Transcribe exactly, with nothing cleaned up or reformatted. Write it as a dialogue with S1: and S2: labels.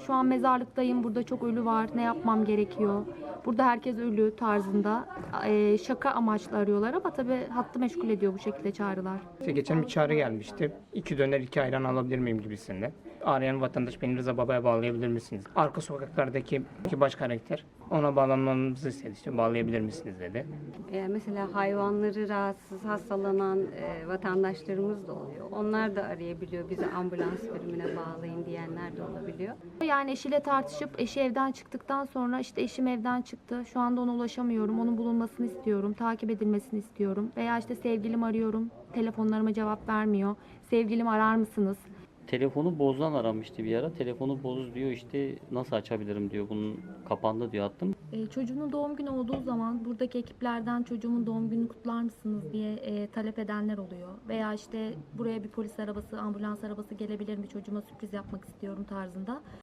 S1: şu an mezarlıktayım, burada çok ölü var, ne yapmam gerekiyor? Burada herkes ölü tarzında e, şaka amaçlı arıyorlar ama tabii hattı meşgul ediyor bu şekilde çağrılar.
S2: İşte geçen bir çağrı gelmişti. İki döner iki ayran alabilir miyim gibisinden. Arayan vatandaş beni Rıza Baba'ya bağlayabilir misiniz? Arka sokaklardaki iki baş karakter ona bağlanmamızı istedi. İşte bağlayabilir misiniz dedi.
S3: E, mesela hayvanları rahatsız, hastalanan e, vatandaşlarımız da oluyor. Onlar da arayabiliyor, bizi ambulans birimine bağlayın diyenler de olabiliyor.
S1: Yani eşiyle tartışıp eşi evden çıktıktan sonra işte eşim evden çıktı. Şu anda ona ulaşamıyorum. Onun bulunmasını istiyorum. Takip edilmesini istiyorum. Veya işte sevgilim arıyorum. Telefonlarıma cevap vermiyor. Sevgilim arar mısınız?
S4: Telefonu bozdan aramıştı bir ara. Telefonu boz diyor, işte nasıl açabilirim diyor. Bunun kapandı diyor, attım.
S1: E, çocuğunun doğum günü olduğu zaman buradaki ekiplerden çocuğumun doğum gününü kutlar mısınız diye e, talep edenler oluyor. Veya işte buraya bir polis arabası, ambulans arabası gelebilir mi, çocuğuma sürpriz yapmak istiyorum tarzında.